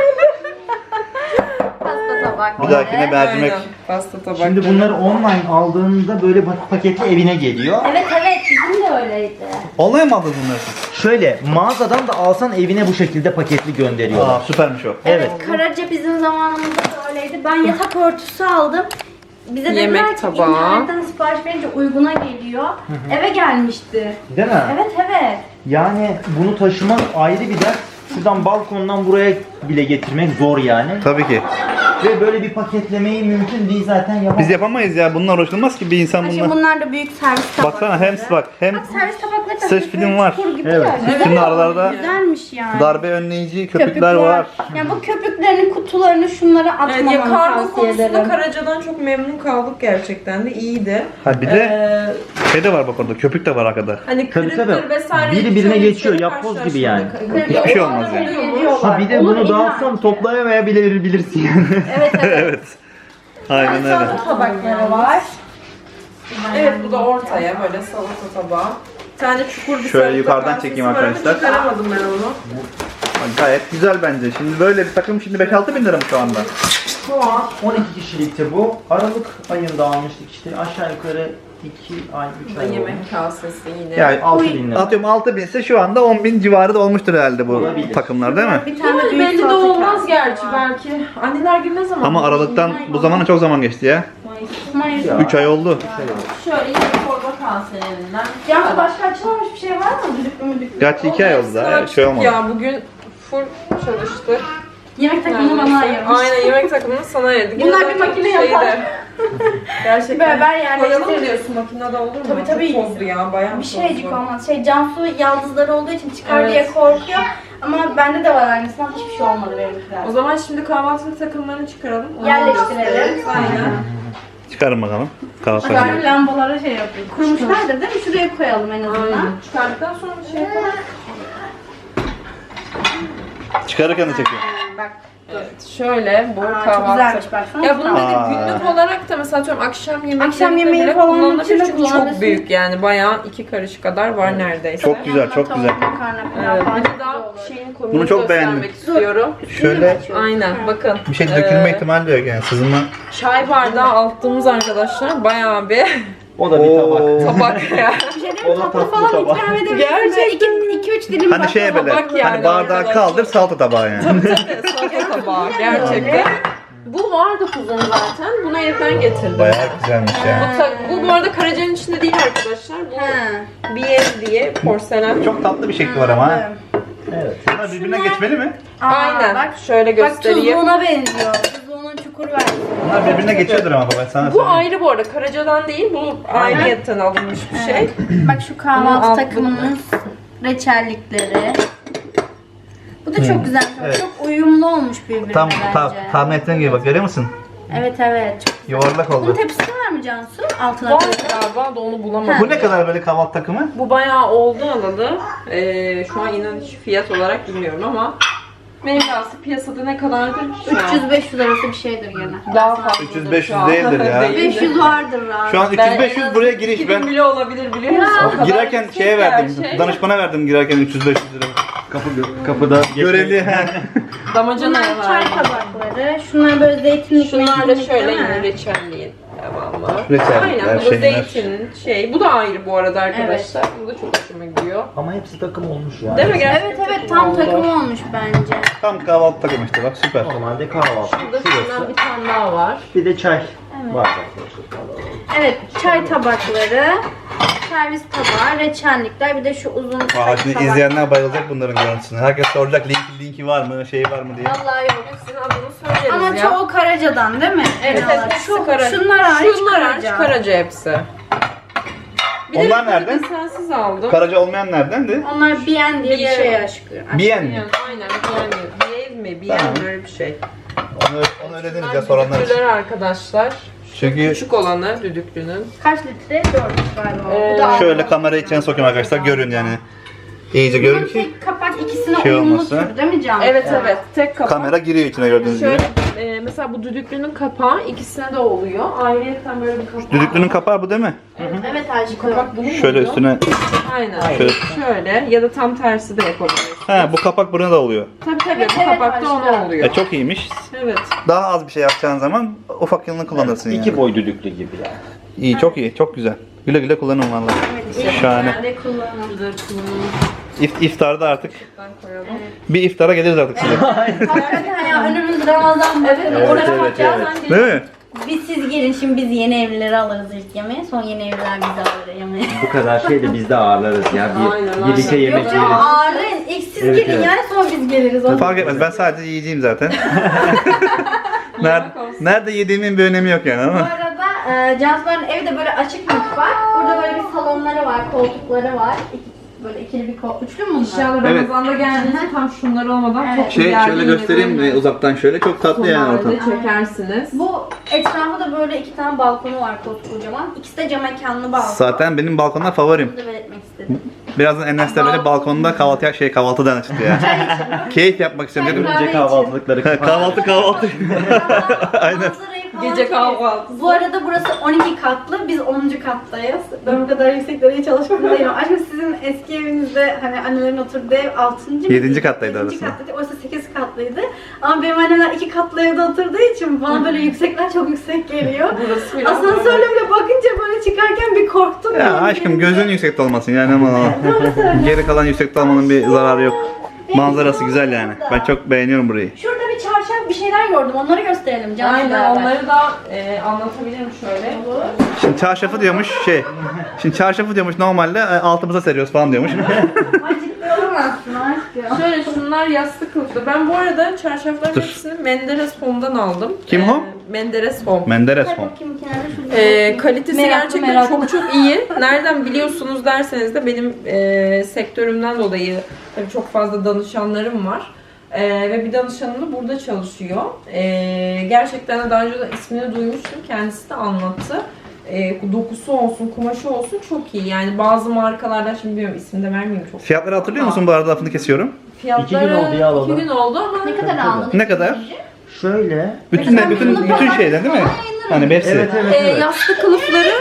Speaker 1: Pasta tabak.
Speaker 2: Bir dahakine mercimek.
Speaker 3: Aynen, pasta tabak.
Speaker 4: Şimdi bunları online aldığında böyle paketli evine geliyor.
Speaker 1: Evet evet bizim de öyleydi.
Speaker 2: Online mı aldın bunları?
Speaker 4: Şöyle mağazadan da alsan evine bu şekilde paketli gönderiyorlar.
Speaker 2: Aa süpermiş o.
Speaker 4: Evet.
Speaker 1: Karaca bizim zamanımızda da öyleydi. Ben yatak örtüsü aldım. Bize dediler
Speaker 3: Yemek
Speaker 1: ki
Speaker 3: tabağı.
Speaker 1: internetten sipariş verince uyguna geliyor. Eve gelmişti.
Speaker 4: Değil mi?
Speaker 1: Evet evet.
Speaker 4: Yani bunu taşımak ayrı bir dert. Şuradan balkondan buraya bile getirmek zor yani.
Speaker 2: Tabii ki.
Speaker 4: Ve böyle bir paketlemeyi mümkün değil zaten yapamaz.
Speaker 2: Biz yapamayız ya. Bunlar uğraşılmaz ki bir insan
Speaker 1: Şimdi
Speaker 2: bunlar.
Speaker 1: bunlar da büyük servis tabakları.
Speaker 2: Baksana hem hem
Speaker 1: Bak servis tabakları da
Speaker 2: ses
Speaker 1: hafif
Speaker 2: film var.
Speaker 1: çukur gibi
Speaker 4: Evet.
Speaker 1: ya. Güzel
Speaker 2: Üstünde
Speaker 1: olmuş,
Speaker 2: aralarda
Speaker 1: güzelmiş yani.
Speaker 2: darbe önleyici
Speaker 1: Köpük
Speaker 2: köpükler var.
Speaker 1: Yani bu köpüklerin kutularını şunlara
Speaker 3: Evet,
Speaker 1: atmamanı
Speaker 3: ya kargo
Speaker 1: tavsiye
Speaker 3: konusunda
Speaker 1: ederim.
Speaker 3: Karaca'dan çok memnun kaldık gerçekten de iyiydi.
Speaker 2: Ha bir de
Speaker 3: Ee,
Speaker 2: şey de var bak orada. Köpük de var arkada.
Speaker 3: hani
Speaker 4: Tabii,
Speaker 3: kırıktır
Speaker 4: tabii.
Speaker 3: vesaire.
Speaker 4: Biri birine
Speaker 3: şöyle
Speaker 4: geçiyor,
Speaker 3: şöyle
Speaker 4: yapboz gibi yani.
Speaker 3: karşılaştırdık.
Speaker 2: Hiçbir şey olmaz yani.
Speaker 1: Geliyorlar.
Speaker 4: Ha bir de
Speaker 1: Olur,
Speaker 4: bunu dağıtsam
Speaker 1: illa.
Speaker 4: toplayamayabilirsin yani.
Speaker 1: Evet evet.
Speaker 2: Evet. Aynen öyle.
Speaker 1: Salata tabakları var.
Speaker 3: Evet, bu da ortaya böyle salata tabağı. Bir tane çukur bir
Speaker 2: Şöyle
Speaker 3: salata
Speaker 2: yukarıdan
Speaker 3: kasesi
Speaker 2: çekeyim
Speaker 3: var ama
Speaker 2: arkadaşlar.
Speaker 3: Çıkaramadım ben onu.
Speaker 2: Gayet güzel bence. Şimdi böyle bir takım şimdi 5-6 bin lira mı şu anda?
Speaker 4: Şu an 12 kişilikti bu. Aralık ayında almıştık işte aşağı yukarı 2 ay 3
Speaker 3: Bu da
Speaker 4: ay oldu.
Speaker 3: yemek kasesi yine.
Speaker 2: Yani
Speaker 4: 6 bin lira.
Speaker 2: atıyorum 6 bin ise şu anda 10 bin civarı da olmuştur herhalde bu
Speaker 4: Olabilir.
Speaker 2: takımlar değil mi?
Speaker 1: Bir tane
Speaker 3: Yani
Speaker 1: büyük
Speaker 3: belli de
Speaker 1: salata
Speaker 3: olmaz
Speaker 1: kasesi
Speaker 3: gerçi
Speaker 1: var.
Speaker 3: belki. Anneler günü ne zaman?
Speaker 2: Ama Aralık'tan bu zamana çok zaman geçti ya.
Speaker 1: Mayıs.
Speaker 4: Ya.
Speaker 2: 3 ay oldu.
Speaker 3: Şöyle yine torba kaselerinden.
Speaker 1: Ya başka açılmamış bir şey var mı? Düdüklü müdüklü.
Speaker 2: Gerçi 2 ay oldu daha. Şey olmadı.
Speaker 3: Ya bugün full çalıştık.
Speaker 1: Yemek takımını bana ayırmış.
Speaker 3: Aynen, yemek takımını sana ayırdık.
Speaker 1: Bunlar
Speaker 3: Yine
Speaker 1: bir
Speaker 3: zaten
Speaker 1: makine
Speaker 3: şeyde-
Speaker 1: yapar.
Speaker 3: Gerçekten.
Speaker 1: Beraber
Speaker 3: Koyalım mı
Speaker 1: yerleştiririz.
Speaker 3: diyorsun, makinede olur mu?
Speaker 1: Tabii, tabii.
Speaker 3: Çok tozlu ya, bayağı
Speaker 1: Bir şeycik
Speaker 3: tozlu.
Speaker 1: olmaz. Cansu yaldızları olduğu için çıkar
Speaker 3: Evet.
Speaker 1: diye korkuyor. Ama bende de var aynısı ama hiçbir şey olmadı benimkiler.
Speaker 3: O zaman şimdi kahvaltılık takımlarını çıkaralım. Onu
Speaker 1: Yerleştirelim.
Speaker 3: gösteririz. Aynen.
Speaker 2: Çıkarın bakalım. Kahvaltı
Speaker 1: Bak lambalara şey yapıyor. Kurmuşlardır değil mi? Şuraya koyalım en azından.
Speaker 3: Aynen. Çıkardıktan sonra bir şey yapalım.
Speaker 2: Çıkarırken de çekiyor.
Speaker 1: Bak.
Speaker 3: Evet, şöyle bu
Speaker 1: Aa, çok
Speaker 3: kahvaltı.
Speaker 1: güzelmiş baksana.
Speaker 3: Ya bunu
Speaker 2: Aa.
Speaker 3: dedi günlük olarak da mesela atıyorum akşam yemeği
Speaker 1: Akşam yemeği falan
Speaker 3: kullanılabilir
Speaker 1: içinde
Speaker 3: çünkü çok
Speaker 1: kullanabilirsin.
Speaker 3: büyük yani bayağı 2 karış kadar var neredeyse.
Speaker 2: Çok güzel, çok güzel.
Speaker 1: Makarna falan
Speaker 3: Evet,
Speaker 1: falan
Speaker 3: bir de
Speaker 1: çok
Speaker 3: daha
Speaker 1: güzel olur.
Speaker 3: şeyin komik
Speaker 2: Bunu çok
Speaker 3: göstermek
Speaker 2: beğendim.
Speaker 3: istiyorum.
Speaker 2: Şöyle
Speaker 3: Aynen bakın.
Speaker 2: bir şey dökülme
Speaker 3: Ee,
Speaker 2: ihtimali de yok yani sızma.
Speaker 3: Çay bardağı attığımız arkadaşlar bayağı bir
Speaker 4: O da bir tabak.
Speaker 2: Oo.
Speaker 3: tabak ya.
Speaker 1: Bir şey değil
Speaker 4: O
Speaker 1: mi?
Speaker 4: da
Speaker 1: Tatlı
Speaker 4: tatlı
Speaker 1: falan
Speaker 4: tabak.
Speaker 1: ikram edebilirsin.
Speaker 3: Gerçekten.
Speaker 1: 2-3 dilim
Speaker 2: Hani şeye böyle
Speaker 3: tabak yani
Speaker 2: hani bardağı
Speaker 3: arkadaşlar.
Speaker 2: kaldır salata tabağı yani.
Speaker 3: Salata tabağı gerçekten. Bu vardı kuzum zaten. Bunu evden getirdim.
Speaker 2: Bayağı güzelmiş yani.
Speaker 3: Bu arada Karaca'nın içinde değil arkadaşlar. Bu BM diye porselen.
Speaker 2: Çok tatlı bir şekli var ama. ha.
Speaker 4: Evet.
Speaker 2: Bunlar birbirine geçmeli mi?
Speaker 3: Aynen.
Speaker 1: Bak,
Speaker 3: Şöyle
Speaker 1: bak
Speaker 3: göstereyim.
Speaker 1: tuzluğuna benziyor. Tuzluğunun çukur verdi.
Speaker 2: Bunlar birbirine geçiyordur ama baba sana
Speaker 3: Bu
Speaker 2: söyleyeyim.
Speaker 3: ayrı bu arada. Karaca'dan değil. Bu ayrıyetten alınmış bir şey.
Speaker 1: Bak şu kahvaltı
Speaker 3: Bunu
Speaker 1: takımının reçellikleri. Bu da çok güzel.
Speaker 2: Evet.
Speaker 1: Çok uyumlu olmuş birbirine
Speaker 2: Tam
Speaker 1: bence.
Speaker 2: tahmin ettiğin gibi bak görüyor musun?
Speaker 1: Evet evet. Çok.
Speaker 2: Yuvarlak
Speaker 1: Bunun
Speaker 2: oldu.
Speaker 1: tepsisi var mı Cansu? Altına
Speaker 3: Var
Speaker 1: koyalım.
Speaker 3: galiba da onu bulamadım.
Speaker 2: Bu ne kadar böyle kahvaltı takımı?
Speaker 3: Bu bayağı oldu alalı. Şu an inan hiç fiyat olarak bilmiyorum ama mevlası piyasada ne kadardır şu an?
Speaker 1: 300-500 arası bir şeydir gene.
Speaker 3: Daha fazla.
Speaker 2: 300-500 değildir ya.
Speaker 1: 500 vardır rahat.
Speaker 2: Şu an 300-500 buraya giriş ben
Speaker 3: bile olabilir biliyor musun? O kadar
Speaker 2: girerken
Speaker 3: yüksek
Speaker 2: şeye
Speaker 3: her
Speaker 2: verdim.
Speaker 3: şey.
Speaker 2: Danışmana verdim girerken 300-500 lira.
Speaker 4: Kapıda
Speaker 2: Görevli he.
Speaker 3: Damacanaya
Speaker 1: Bunlar çay
Speaker 3: verdim.
Speaker 1: tabakları. Şunlar böyle zeytinlik.
Speaker 3: Şunlar da
Speaker 1: meytinlik
Speaker 3: şöyle
Speaker 1: değil mi?
Speaker 3: yine reçelliğin devamı.
Speaker 2: Reçellikler,
Speaker 3: Aynen bu da
Speaker 2: şeyler.
Speaker 3: zeytinin şey. Bu da ayrı bu arada arkadaşlar. Bu da çok hoşuma gidiyor.
Speaker 4: Ama hepsi takım olmuş yani.
Speaker 3: Değil mi gerçekten?
Speaker 1: Evet evet tam takım olmuş bence.
Speaker 2: Tam kahvaltı takımı işte bak süper.
Speaker 4: Normalde kahvaltı.
Speaker 3: Burada şundan
Speaker 4: Şurası.
Speaker 3: bir tane daha var.
Speaker 4: Bir de çay. Var.
Speaker 1: Evet çay tabakları, servis tabağı, reçellikler bir de şu uzun
Speaker 2: Aa, şimdi
Speaker 1: tabak.
Speaker 2: izleyenler bayılacak bunların görüntüsüne. Herkes soracak linki var mı, şeyi var mı diye.
Speaker 1: Vallahi yok.
Speaker 3: Hepsinin adını söyleriz
Speaker 1: Ama
Speaker 3: ya.
Speaker 1: çoğu Karaca'dan değil mi?
Speaker 3: Evet,
Speaker 1: Genel
Speaker 3: hepsi
Speaker 1: olarak.
Speaker 3: Karaca.
Speaker 1: Şunlar hariç
Speaker 3: Şunlar hariç
Speaker 1: Karaca.
Speaker 3: Karaca hepsi. Bir de
Speaker 2: Onlar
Speaker 3: bir
Speaker 2: nereden?
Speaker 3: desensiz aldım.
Speaker 2: Karaca olmayan neredendi?
Speaker 1: Onlar Bien diye bir
Speaker 3: Bien.
Speaker 1: şey aşkı.
Speaker 2: Biyen mi?
Speaker 3: Yani, aynen Biyev mi? Biyev
Speaker 2: Tamam.
Speaker 3: böyle bir şey.
Speaker 2: Onu öyle deriz ya soranlar için.
Speaker 3: Düdüklüler arkadaşlar.
Speaker 2: Çünkü
Speaker 3: Küçük olanı düdüklünün.
Speaker 1: Kaç litre? 4 galiba. Bu da
Speaker 2: şöyle kamerayı içine sokayım arkadaşlar görün yani. İyice görün ki
Speaker 1: tek kapak ikisine
Speaker 2: şey
Speaker 1: uyumlu
Speaker 2: olmasa.
Speaker 1: tür değil mi Can?
Speaker 3: Evet evet. Tek kapak.
Speaker 2: kamera giriyor içine gördüğünüz gibi.
Speaker 3: Şöyle mesela bu düdüklünün kapağı ikisine de oluyor. Ayrıyeten böyle bir kapağı.
Speaker 2: Düdüklünün kapağı bu değil mi?
Speaker 1: Evet aşkım.
Speaker 3: kapak bunun
Speaker 2: Şöyle
Speaker 3: oluyor.
Speaker 2: üstüne.
Speaker 3: Aynen.
Speaker 2: Şöyle.
Speaker 3: Şöyle ya da tam tersi de yapabiliriz.
Speaker 2: He bu kapak buna da oluyor.
Speaker 3: Tabii tabii
Speaker 1: Evet,
Speaker 3: bu
Speaker 1: evet,
Speaker 3: kapak da ona
Speaker 1: aşkım.
Speaker 3: oluyor.
Speaker 2: Çok iyiymiş.
Speaker 3: Evet.
Speaker 2: Daha az bir şey yapacağın zaman ufak yılını kullanırsın yani.
Speaker 4: İki boy düdüklü gibi yani.
Speaker 2: İyi çok iyi çok güzel. Güle güle kullanın vallahi. Şahane.
Speaker 1: Nerede kullanalım?
Speaker 3: Güzel kullanılır.
Speaker 2: İftarda artık
Speaker 3: Koyalım.
Speaker 2: bir iftara geliriz artık size.
Speaker 1: Hakikaten ya önümüz Ramazan bakın.
Speaker 2: Evet,
Speaker 1: Oruç
Speaker 2: evet,
Speaker 1: bakacağız.
Speaker 2: Değil mi?
Speaker 1: Biz siz gelin şimdi biz yeni evlileri alırız ilk yemeğe. Son yeni evliler bizi alır yemeğe.
Speaker 4: Bu kadar şey de biz de ağırlarız ya.
Speaker 3: Aynen,
Speaker 4: Birlikte
Speaker 3: aynen.
Speaker 4: yemek
Speaker 1: Yok
Speaker 4: yeriz.
Speaker 1: canım ağırlayın. İlk siz
Speaker 4: Evet,
Speaker 1: gelin
Speaker 4: evet.
Speaker 1: yani sonra biz geliriz. Olur.
Speaker 2: Fark etmez. Ben sadece yiyeceğim zaten. Nerede yediğimin bir önemi yok yani
Speaker 1: Bu
Speaker 2: ama.
Speaker 1: arada Cansu'ların evi de böyle açık mutfak. Burada böyle bir salonları var, koltukları var. Böyle ikili bir üçlü mü bunlar?
Speaker 3: İnşallah
Speaker 2: Evet.
Speaker 3: Ramazan'da geldiğinizde tam şunlar olmadan
Speaker 1: Evet.
Speaker 3: çok güzel
Speaker 2: Şöyle
Speaker 3: bir
Speaker 2: göstereyim
Speaker 3: yemek
Speaker 2: mi uzaktan şöyle çok tatlı yani ortam.
Speaker 3: sonlarda çekersiniz.
Speaker 1: Bu etrafı da böyle 2 tane balkonu var kocaman. İkisi de cam mekanlı balkon.
Speaker 2: Zaten benim balkonda favorim.
Speaker 1: Bunu da belirtmek istedim.
Speaker 2: Birazdan Enes de böyle balkonda kahvaltıdan çıktı ya. Keyif yapmak istiyorum dedim.
Speaker 4: Gece kahvaltılıkları.
Speaker 2: Kahvaltı.
Speaker 1: Aynen.
Speaker 3: Gece kahvaltısı.
Speaker 1: Bu arada burası 12 katlı, biz 10. kattayız. Ben bu kadar yükseklere hiç alışkın değilim. Aslında sizin eski evinizde hani annelerin oturduğu ev 6. mı?
Speaker 2: 7. kattaydı
Speaker 1: 7.
Speaker 2: orası.
Speaker 1: kattaydı. Oysa 8 katlıydı. Ama benim annemler 2 katlı evde oturduğu için bana böyle yüksekler çok yüksek geliyor.
Speaker 3: Burası biraz
Speaker 1: Asansörle bile bakınca böyle çıkarken bir korktum.
Speaker 2: Ya aşkım gözün yüksekte olmasın yani ama geri kalan yüksekte olmanın bir zararı yok. Manzarası güzel yani. Ben çok beğeniyorum burayı.
Speaker 1: Şurada bir çarşaf bir şeyler gördüm. Onları gösterelim canım.
Speaker 3: Aynen onları da anlatabilirim şöyle.
Speaker 2: Şimdi çarşafı diyormuş Şimdi çarşafı diyormuş normalde altımıza seriyoruz falan diyormuş.
Speaker 1: Acıklı olamazsın aşkım.
Speaker 3: Şöyle şunlar yastık kılıflı. Ben bu arada çarşafların
Speaker 2: Dur.
Speaker 3: hepsini Menderes Home'dan aldım.
Speaker 2: Kim Home?
Speaker 3: Menderes Home.
Speaker 2: Menderes
Speaker 1: Hadi
Speaker 2: Home.
Speaker 1: bakayım kenara şurada.
Speaker 3: Kalitesi gerçekten çok iyi. Nereden biliyorsunuz derseniz de benim sektörümden dolayı tabii çok fazla danışanlarım var. Ve bir danışanım da burada çalışıyor. Gerçekten de daha önce de ismini duymuştum. Kendisi de anlattı. Dokusu olsun, kumaşı olsun çok iyi. Yani bazı markalardan şimdi bilmiyorum ismini de vermeyeyim çok.
Speaker 2: Fiyatları hatırlıyor musun bu arada lafını kesiyorum?
Speaker 3: Fiyatları
Speaker 4: 2 gün oldu ya alalı.
Speaker 3: 2 gün oldu ama
Speaker 1: Ne kadar aldın?
Speaker 2: Ne kadar?
Speaker 4: Şöyle.
Speaker 2: Bütün şeyler değil mi? Hani hepsi.
Speaker 4: Evet.
Speaker 3: yastık kılıfları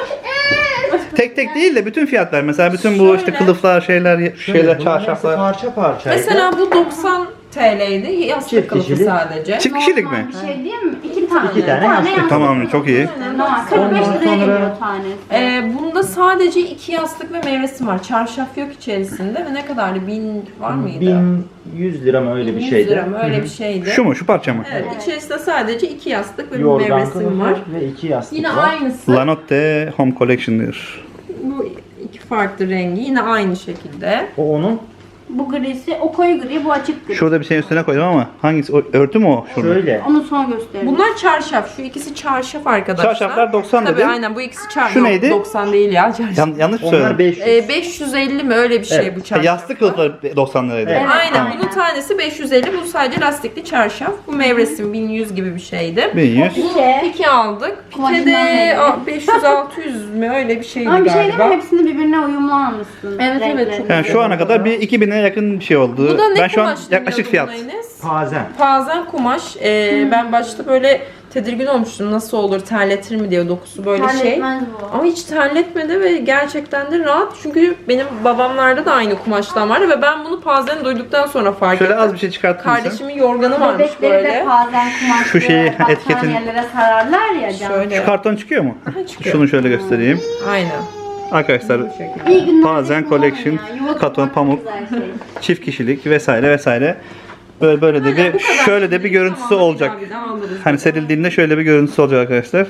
Speaker 2: Tek değil de bütün fiyatlar. Mesela bütün bu işte kılıflar, şeyler,
Speaker 4: Bunların hepsi
Speaker 2: çarşaflar.
Speaker 4: parça parçaydı.
Speaker 3: mesela bu 90 TL'ydi. Yastık
Speaker 4: Çift
Speaker 3: kılıfı
Speaker 4: kişilik.
Speaker 3: sadece.
Speaker 2: Çift kişilik mi?
Speaker 1: Bir şey değil mi? 2 tane.
Speaker 4: 2 tane yastık.
Speaker 2: Tamam çok iyi.
Speaker 1: Normal. 45
Speaker 4: Ondan
Speaker 1: liraya
Speaker 4: sonra-
Speaker 1: geliyor tanesi.
Speaker 3: Bunda sadece 2 yastık ve meyvesi var. Çarşaf yok içerisinde ve ne kadardı? 1000 var mıydı?
Speaker 4: 1100 lira mı öyle bir
Speaker 3: 100
Speaker 4: şeydi.
Speaker 3: lira mı? Öyle bir şeydi.
Speaker 2: Şu mu? Şu parça mı?
Speaker 3: Evet, içerisinde sadece 2 yastık ve bir
Speaker 4: Yorgan
Speaker 3: meyvesim
Speaker 4: kılıfı
Speaker 3: var.
Speaker 4: ve 2 yastık
Speaker 3: Yine
Speaker 4: var.
Speaker 3: aynısı.
Speaker 2: Lanotte Home Collection diyor.
Speaker 3: Bu iki farklı rengi. Yine aynı şekilde.
Speaker 4: O onun
Speaker 1: Bu grisi, o koyu gri, bu açık gri.
Speaker 2: Şurada bir şeyin üstüne koydum ama hangisi? Örtü mü o? Şurada.
Speaker 4: şöyle.
Speaker 1: Onu son gösterelim.
Speaker 3: Bunlar çarşaf. Şu ikisi çarşaf arkadaşlar.
Speaker 2: Çarşaflar 90
Speaker 3: Tabii
Speaker 2: dedin.
Speaker 3: aynen bu ikisi çarşaf.
Speaker 2: Şu neydi?
Speaker 3: 90 değil ya çarşaf.
Speaker 2: Yanlış mı
Speaker 4: Onlar
Speaker 2: söyledim?
Speaker 4: 500.
Speaker 3: 550 mi öyle bir şey
Speaker 4: Evet.
Speaker 3: bu çarşaf.
Speaker 2: Yastık kılıfları 90 liraydı.
Speaker 4: Evet.
Speaker 3: Aynen.
Speaker 2: Tamam.
Speaker 3: Bunun tanesi 550. Bu sadece lastikli çarşaf. Bu mevresim 1100 gibi bir şeydi.
Speaker 2: 1100.
Speaker 3: Pike aldık. Pike
Speaker 1: Kumaşından
Speaker 3: de
Speaker 1: belli.
Speaker 3: 500-600 mi öyle bir şeydi
Speaker 1: Ama bir şey
Speaker 3: galiba.
Speaker 1: değil mi? Hepsini birbirine uyumlu almışsın.
Speaker 3: Evet, evet,
Speaker 1: renklerini.
Speaker 3: çok
Speaker 2: Yani şu ana kadar bir 2000'e yakın bir şey oldu.
Speaker 3: Bu da ne
Speaker 2: Ben şu an
Speaker 3: kumaş
Speaker 2: yaklaşık
Speaker 3: deniyordu
Speaker 2: fiyat.
Speaker 3: buna Enes?
Speaker 4: Pazen.
Speaker 3: Pazen kumaş. Ben başta böyle tedirgin olmuştum. Nasıl olur, terletir mi diye dokusu böyle şey.
Speaker 1: Terletmez bu.
Speaker 3: Ama hiç terletmedi ve gerçekten de rahat. Çünkü benim babamlarda da aynı kumaştan vardı ve ben bunu Pazen'i duyduktan sonra fark
Speaker 2: Şöyle
Speaker 3: ettim.
Speaker 2: az bir şey çıkarttın mısın?
Speaker 3: Kardeşimin yorganı varmış
Speaker 1: Bebekleri
Speaker 3: böyle.
Speaker 1: de pazen kumaşlı
Speaker 2: Şu şeyi, etiketin-
Speaker 1: battaniyelere sararlar ya can.
Speaker 3: Şöyle.
Speaker 2: Şu karton çıkıyor mu?
Speaker 3: Aha, çıkıyor.
Speaker 2: Şunu şöyle göstereyim.
Speaker 3: Aynen.
Speaker 2: Arkadaşlar
Speaker 3: Bu şekilde.
Speaker 1: İyi günler.
Speaker 2: Pazen
Speaker 1: kullanın
Speaker 2: Collection,
Speaker 1: ya. Yuva
Speaker 2: katon,
Speaker 1: tutmak
Speaker 2: pamuk.
Speaker 1: güzel şey.
Speaker 2: çift kişilik vesaire. Böyle de bir şöyle de bir görüntüsü olacak.
Speaker 3: Bir daha alırız.
Speaker 2: Hani serildiğinde şöyle bir görüntüsü olacak arkadaşlar.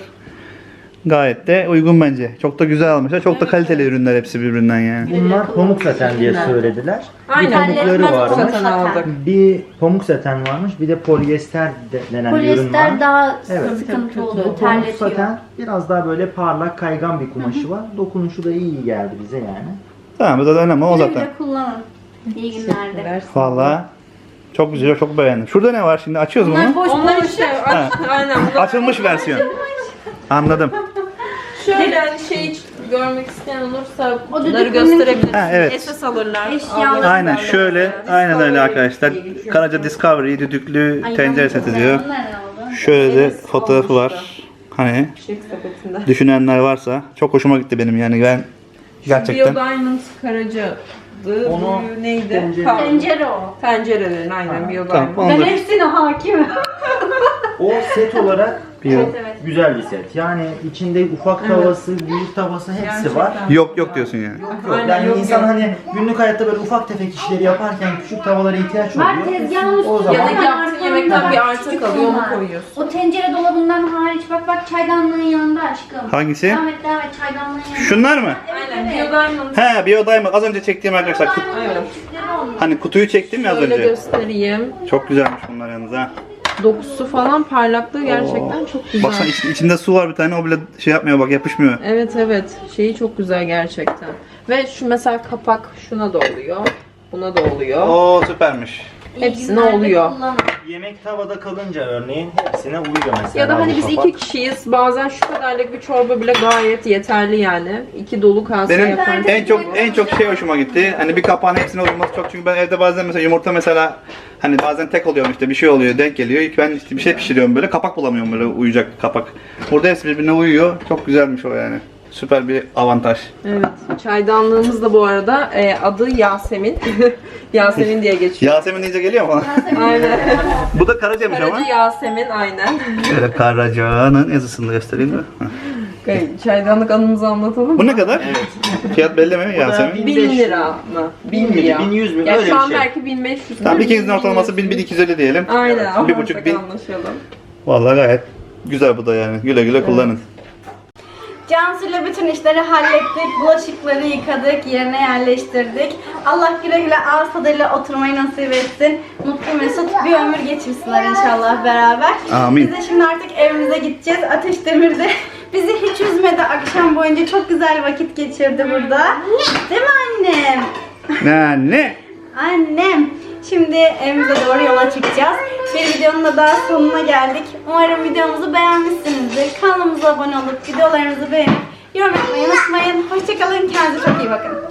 Speaker 2: Gayet de uygun bence. Çok da güzel almışlar. Çok da kaliteli ürünler hepsi birbirinden yani.
Speaker 4: Bunlar pamuk saten diye söylediler.
Speaker 3: Aynen.
Speaker 4: Bir pamukları
Speaker 1: Terletmez
Speaker 4: varmış.
Speaker 3: Zaten aldık.
Speaker 4: Bir pamuk saten varmış. Bir de polyester denen bir ürün var.
Speaker 1: Polyester daha
Speaker 4: Evet.
Speaker 1: sıkıntı
Speaker 3: Tabii,
Speaker 1: oluyor.
Speaker 4: Bu pamuk
Speaker 1: Terletiyor.
Speaker 4: saten biraz daha böyle parlak kaygan bir kumaşı var. Dokunuşu da iyi geldi bize yani.
Speaker 2: Tamam bu da önemli o
Speaker 1: Güle
Speaker 2: zaten.
Speaker 1: güle kullanın. İyi günlerde.
Speaker 2: Vallahi çok güzel, çok beğendim. Şurada ne var şimdi? Açıyoruz
Speaker 1: Bunlar
Speaker 2: bunu.
Speaker 1: boş
Speaker 3: Onlar
Speaker 1: boş.
Speaker 3: işte aynen. Bunlar
Speaker 2: Açılmış versiyon. Anladım.
Speaker 3: şöyle hani şey görmek isteyen olursa
Speaker 1: O
Speaker 3: bunları
Speaker 1: düdüklünün-
Speaker 3: gösterebiliriz.
Speaker 2: Ha, evet.
Speaker 3: Esas alırlar.
Speaker 1: Eşyalar.
Speaker 3: alırlar.
Speaker 2: Aynen şöyle, aynen öyle arkadaşlar.
Speaker 3: diye geçiyor.
Speaker 2: Karaca Discovery düdüklü
Speaker 1: Ay,
Speaker 2: tencere
Speaker 1: ben
Speaker 2: seti
Speaker 1: de
Speaker 2: diyor.
Speaker 1: bunlar ne oldu?
Speaker 2: Şöyle de
Speaker 3: Evet,
Speaker 2: fotoğrafı
Speaker 3: olmuştu.
Speaker 2: var. Hani
Speaker 3: Çiçek sepetinde.
Speaker 2: düşünenler varsa çok hoşuma gitti benim yani ben gerçekten.
Speaker 3: Bio Diamond Karaca'dı.
Speaker 4: Onu
Speaker 3: Bu neydi?
Speaker 4: tencere-
Speaker 1: Tencere o.
Speaker 3: Tencerelerin aynen Bio
Speaker 2: Tamam,
Speaker 3: Diamond.
Speaker 2: onu
Speaker 1: Ben
Speaker 2: da
Speaker 1: hepsine hakimim.
Speaker 4: O set olarak
Speaker 2: bir
Speaker 1: Evet evet.
Speaker 4: güzel bir set. Yani içinde ufak tavası, büyük tavası hepsi
Speaker 3: Gerçekten.
Speaker 4: var.
Speaker 2: yok diyorsun yani.
Speaker 4: Yok.
Speaker 3: Aynen,
Speaker 4: Yani
Speaker 3: yok,
Speaker 4: insan
Speaker 3: yok.
Speaker 4: hani günlük hayatta böyle ufak tefek işleri yaparken küçük tavalara ihtiyaç
Speaker 1: Var
Speaker 4: oluyor.
Speaker 1: tezgahın
Speaker 4: O
Speaker 1: üstünde.
Speaker 3: Ya da
Speaker 4: zaman
Speaker 3: yaptığın yemekten bir artı
Speaker 1: Küçük
Speaker 3: kalıyor onu
Speaker 1: onlar.
Speaker 3: koyuyorsun.
Speaker 1: O tencere dolabından hariç bak çaydanlığın yanında aşkım.
Speaker 2: Hangisi?
Speaker 1: Devam et çaydanlığın yanında.
Speaker 2: Şunlar mı?
Speaker 3: Aynen. Biodiamond.
Speaker 2: He, Biodiamond. Az önce çektiğim arkadaşlar.
Speaker 3: Evet.
Speaker 2: Hani kutuyu çektim ya az
Speaker 3: Şöyle
Speaker 2: önce.
Speaker 3: göstereyim.
Speaker 2: Çok güzelmiş bunlar yalnız ha.
Speaker 3: Dokusu falan parlaklığı gerçekten çok güzel.
Speaker 2: Baksana içinde su var bir tane, o bile şey yapmıyor bak, yapışmıyor.
Speaker 3: Evet evet. Şeyi çok güzel gerçekten. Ve şu mesela kapak şuna da oluyor. Buna da oluyor.
Speaker 2: Oo süpermiş.
Speaker 3: Hepsine oluyor.
Speaker 4: Yemek tavada kalınca örneğin hepsine uyuyor mesela.
Speaker 3: Ya da hani
Speaker 4: bu
Speaker 3: biz
Speaker 4: kapak.
Speaker 3: 2 kişiyiz. Bazen şu kadarlık bir çorba bile gayet yeterli yani. 2 dolu kase
Speaker 2: Benim
Speaker 3: yaparız.
Speaker 2: en çok şey hoşuma gitti. Hani bir kapağın hepsine uyuması çok, çünkü ben evde bazen mesela yumurta mesela hani bazen tek oluyorum, işte bir şey oluyor, denk geliyor. İlk ben işte bir şey pişiriyorum böyle, kapak bulamıyorum böyle uyuyacak kapak. Burada hepsi birbirine uyuyor. Çok güzelmiş o yani. Süper bir avantaj.
Speaker 3: Evet. Çaydanlığımız da bu arada adı Yasemin. Yasemin diye geçiyor.
Speaker 2: Yasemin deyince geliyor mu?
Speaker 3: Aynen.
Speaker 2: Bu da Karaca'ymış ama.
Speaker 3: Aracı Yasemin aynen.
Speaker 2: Şöyle Karaca'nın yazısını da göstereyim mi?
Speaker 3: Çaydanlık anımızı anlatalım
Speaker 2: Bu
Speaker 3: mı?
Speaker 2: ne kadar? Fiyat belli mi Yasemin?
Speaker 3: 1000 lira mı? 1000 lira.
Speaker 4: 1100 bin,
Speaker 3: Ya
Speaker 4: öyle
Speaker 3: şu
Speaker 4: bir
Speaker 3: an
Speaker 4: şey.
Speaker 3: belki 1500.
Speaker 2: Tamam, ikinizin ortalaması 1000-1250 diyelim.
Speaker 3: Aynen.
Speaker 2: Bir buçuk
Speaker 3: Anlaştık,
Speaker 2: bin.
Speaker 3: anlaşalım.
Speaker 2: Vallahi gayet güzel bu da yani. Güle güle kullanın.
Speaker 1: Cansu'yla bütün işleri hallettik. Bulaşıkları yıkadık, yerine yerleştirdik. Allah güle güle ağız tadıyla oturmayı nasip etsin. Mutlu mesut bir ömür geçirsinler inşallah beraber.
Speaker 2: Amin.
Speaker 1: Biz de şimdi artık evimize gideceğiz. Ateş Demir de bizi hiç üzmedi akşam boyunca. Çok güzel vakit geçirdi burada. Değil mi annem?
Speaker 2: Ne?
Speaker 1: Annem. Şimdi evimize doğru yola çıkacağız. Bir videonun da daha sonuna geldik. Umarım videomuzu beğenmişsinizdir. Kanalımıza abone olup videolarımızı beğenip yorum etmeyi unutmayın. Hoşçakalın. Kendinize çok iyi bakın.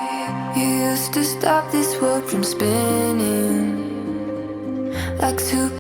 Speaker 5: You used to stop this world from spinning like two